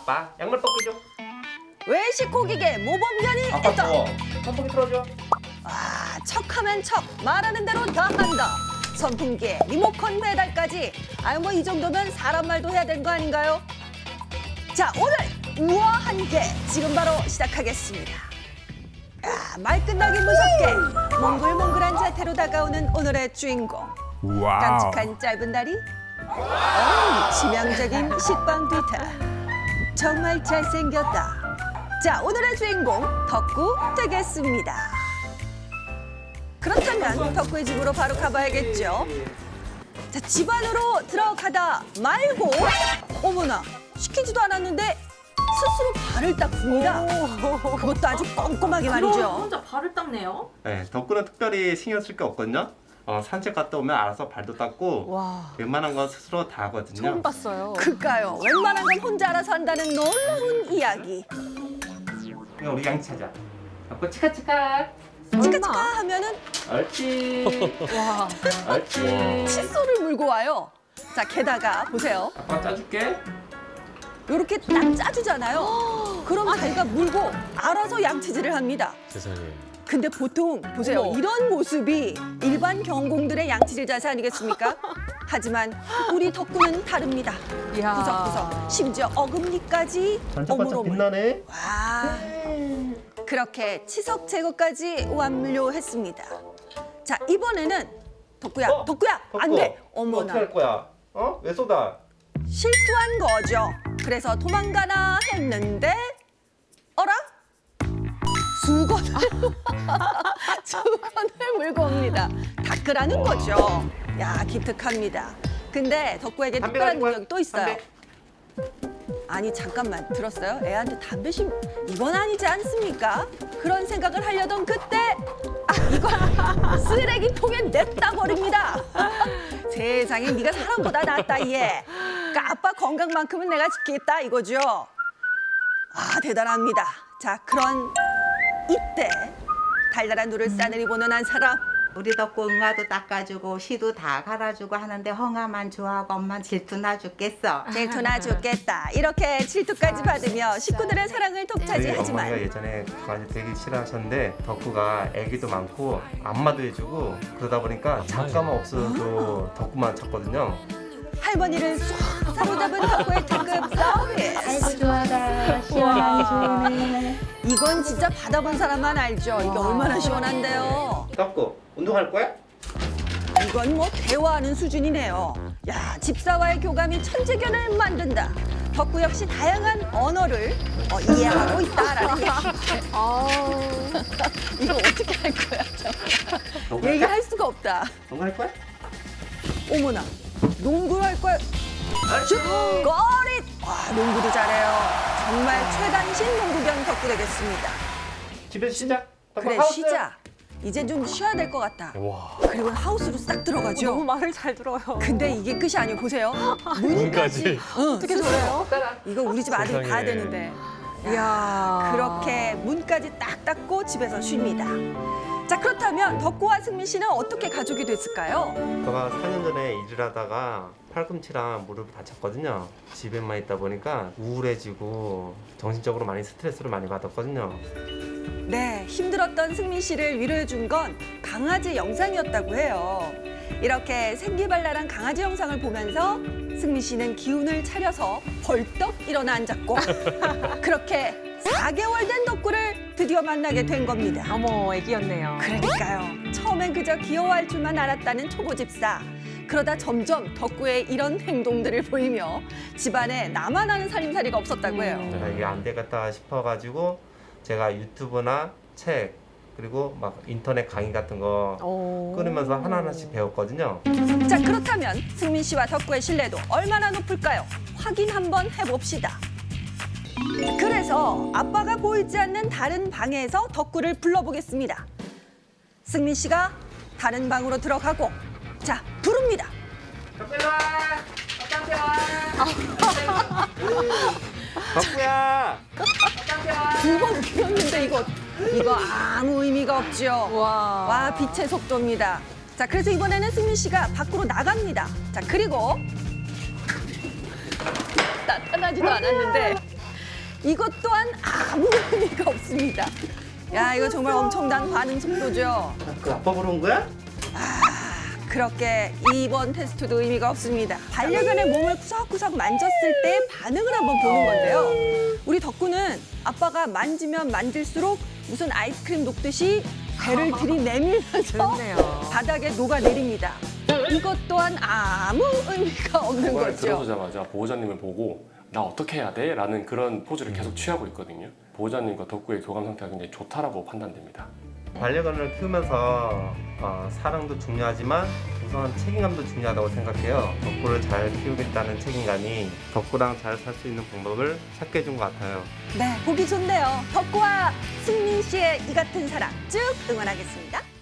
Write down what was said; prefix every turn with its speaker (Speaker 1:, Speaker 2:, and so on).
Speaker 1: 아빠 양말 벗겨줘.
Speaker 2: 외식 고객의 모범견이
Speaker 1: 아빠
Speaker 2: 있다.
Speaker 1: 더워. 선풍기 틀어줘.
Speaker 2: 아, 척하면 척, 말하는 대로 다 한다. 선풍기에 리모컨 배달까지. 아유, 뭐 이 정도면 사람 말도 해야 되는 거 아닌가요? 자, 오늘 우아한 게 지금 바로 시작하겠습니다. 아, 말 끝나기 무섭게 몽글몽글한 자태로 다가오는 오늘의 주인공.
Speaker 3: 와우.
Speaker 2: 깜찍한 짧은 다리, 치명적인 식빵 뒤타. 정말 잘생겼다. 자, 오늘의 주인공 덕구 되겠습니다. 그렇다면 덕구의 집으로 바로 가봐야겠죠. 자, 집 안으로 들어가다 말고 어머나, 시키지도 않았는데 스스로 발을 닦습니다. 그것도 아주 꼼꼼하게
Speaker 4: 그럼
Speaker 2: 말이죠.
Speaker 4: 혼자 발을 닦네요.
Speaker 1: 네, 덕구는 특별히 신경 쓸 게 없거든요. 산책 갔다 오면 알아서 발도 닦고
Speaker 2: 와,
Speaker 1: 웬만한 건 스스로 다 하거든요.
Speaker 4: 처음 봤어요.
Speaker 2: 그까요. 웬만한 건 혼자 알아서 한다는 놀라운 이야기.
Speaker 1: 그럼 우리 양치 하자. 덕구 치카치카.
Speaker 2: 치카치카 하면은
Speaker 1: 옳지.
Speaker 4: 와.
Speaker 1: 옳지.
Speaker 2: 칫솔을 물고 와요. 자, 게다가 보세요.
Speaker 1: 아빠 짜줄게.
Speaker 2: 이렇게 딱 짜주잖아요. 그럼 자기가 물고 알아서 양치질을 합니다.
Speaker 3: 세상에.
Speaker 2: 근데 보통 보세요.
Speaker 4: 어머.
Speaker 2: 이런 모습이 일반 경공들의 양치질 자세 아니겠습니까? 하지만 우리 덕구는 다릅니다.
Speaker 4: 이야.
Speaker 2: 구석구석, 심지어 어금니까지
Speaker 1: 반짝반짝
Speaker 2: 어물어물.
Speaker 1: 빛나네.
Speaker 2: 와, 그렇게 치석 제거까지 완료했습니다. 자, 이번에는 덕구야, 덕구야, 안 돼.
Speaker 1: 어떻게
Speaker 2: 어머나,
Speaker 1: 할 거야? 왜 쏟아?
Speaker 2: 실수한 거죠. 그래서 도망가나 했는데, 어라? 수건을 수건을 물고 옵니다. 닦으라는 거죠. 야, 기특합니다. 근데 덕구에게
Speaker 1: 담배
Speaker 2: 특별한
Speaker 1: 가지고 와.
Speaker 2: 능력이 또 있어요.
Speaker 1: 담배.
Speaker 2: 아니, 잠깐만, 들었어요? 애한테 담배 심 이건 아니지 않습니까? 그런 생각을 하려던 그때 이거 쓰레기통에 냈다 버립니다. 세상에, 네가 사람보다 낫다 얘. 그러니까 아빠 건강만큼은 내가 지키겠다 이거죠. 아, 대단합니다. 자, 그런 이때 달달한 눈을 싸늘히 보는 한 사람.
Speaker 5: 우리 덕구 응아도 닦아주고 시도 다 갈아주고 하는데 헝아만 좋아하고 엄만 질투나 죽겠어.
Speaker 2: 질투나 죽겠다. 이렇게 질투까지 받으며 식구들의 사랑을
Speaker 1: 저희
Speaker 2: 독차지하지만
Speaker 1: 어머니가 예전에 강아지 되게 싫어하셨는데 덕구가 애기도 많고 안마도 해주고 그러다 보니까 잠깐만 없어도 덕구만 찾거든요.
Speaker 2: 할머니를 쏙 사로잡은 덕구의 특급 서비스.
Speaker 5: 아이고 좋아라 시원하니 좋네.
Speaker 2: 이건 진짜 받아본 사람만 알죠. 이게 얼마나 시원한데요.
Speaker 1: 덕구 운동할 거야?
Speaker 2: 이건 뭐 대화하는 수준이네요. 야, 집사와의 교감이 천재견을 만든다. 덕구 역시 다양한 언어를 이해하고 있다라는 얘기. 이거 어떻게 할 거야?
Speaker 1: 농구할
Speaker 2: 얘기할 수가 없다.
Speaker 1: 농구할 거야?
Speaker 2: 어머나, 농구를 할 거야. 슛! 거릿! 와, 농구도 잘해요. 정말 최단신 농구견 덕구 되겠습니다.
Speaker 1: 집에서 쉬자. 덕구
Speaker 2: 그래,
Speaker 1: 하우스.
Speaker 2: 쉬자. 이제 좀 쉬어야 될 것 같다.
Speaker 3: 와.
Speaker 2: 그리고 하우스로 싹 들어가죠.
Speaker 4: 너무 말을 잘 들어요.
Speaker 2: 근데 이게 끝이 아니에요. 보세요.
Speaker 3: 문까지.
Speaker 2: 어떻게 저래요? 이거 우리 집 아들이
Speaker 3: 세상에.
Speaker 2: 봐야 되는데.
Speaker 4: 이야.
Speaker 2: 그렇게 문까지 딱 닫고 집에서 쉽니다. 자, 그렇다면 덕구와 승민 씨는 어떻게 가족이 됐을까요?
Speaker 1: 제가 4년 전에 일을 하다가 팔꿈치랑 무릎을 다쳤거든요. 집에만 있다 보니까 우울해지고 정신적으로 많이 스트레스를 많이 받았거든요.
Speaker 2: 네, 힘들었던 승민 씨를 위로해준 건 강아지 영상이었다고 해요. 이렇게 생기발랄한 강아지 영상을 보면서 승민 씨는 기운을 차려서 벌떡 일어나 앉았고 그렇게 4개월 된 덕구를 드디어 만나게 된 겁니다.
Speaker 4: 어머, 애기였네요.
Speaker 2: 그러니까요. 처음엔 그저 귀여워할 줄만 알았다는 초보 집사. 그러다 점점 덕구의 이런 행동들을 보이며 집안에 나만 아는 살림살이가 없었다고 해요.
Speaker 1: 제가 이게 안 되겠다 싶어가지고 제가 유튜브나 책 그리고 막 인터넷 강의 같은 거 끊으면서 하나하나씩 배웠거든요.
Speaker 2: 자, 그렇다면 승민 씨와 덕구의 신뢰도 얼마나 높을까요? 확인 한번 해봅시다. 그래서 아빠가 보이지 않는 다른 방에서 덕구를 불러보겠습니다. 승민 씨가 다른 방으로 들어가고 자, 부릅니다.
Speaker 1: 덕구야!
Speaker 2: 두 번 불렀는데 이거 아무 의미가 없죠.
Speaker 4: 와.
Speaker 2: 와, 빛의 속도입니다. 자, 그래서 이번에는 승민 씨가 밖으로 나갑니다. 자, 그리고 나타나지도 않았는데 이것 또한 아무 의미가 없습니다. 야, 이거 정말 엄청난 반응 속도죠.
Speaker 1: 그 아빠 보러 온 거야?
Speaker 2: 그렇게 2번 테스트도 의미가 없습니다. 반려견의 몸을 구석구석 만졌을 때 반응을 한번 보는 건데요. 우리 덕구는 아빠가 만지면 만질수록 무슨 아이스크림 녹듯이 배를 들이내밀면서
Speaker 4: 그렇네요.
Speaker 2: 바닥에 녹아내립니다. 이것 또한 아무 의미가 없는
Speaker 3: 그걸
Speaker 2: 거죠.
Speaker 3: 들어서자마자 보호자님을 보고 나 어떻게 해야 돼? 라는 그런 포즈를 계속 취하고 있거든요. 보호자님과 덕구의 교감 상태가 굉장히 좋다라고 판단됩니다.
Speaker 1: 반려견을 키우면서 사랑도 중요하지만 우선 책임감도 중요하다고 생각해요. 덕구를 잘 키우겠다는 책임감이 덕구랑 잘 살 수 있는 방법을 찾게 해준 것 같아요.
Speaker 2: 네, 보기 좋네요. 덕구와 승민 씨의 이 같은 사랑 쭉 응원하겠습니다.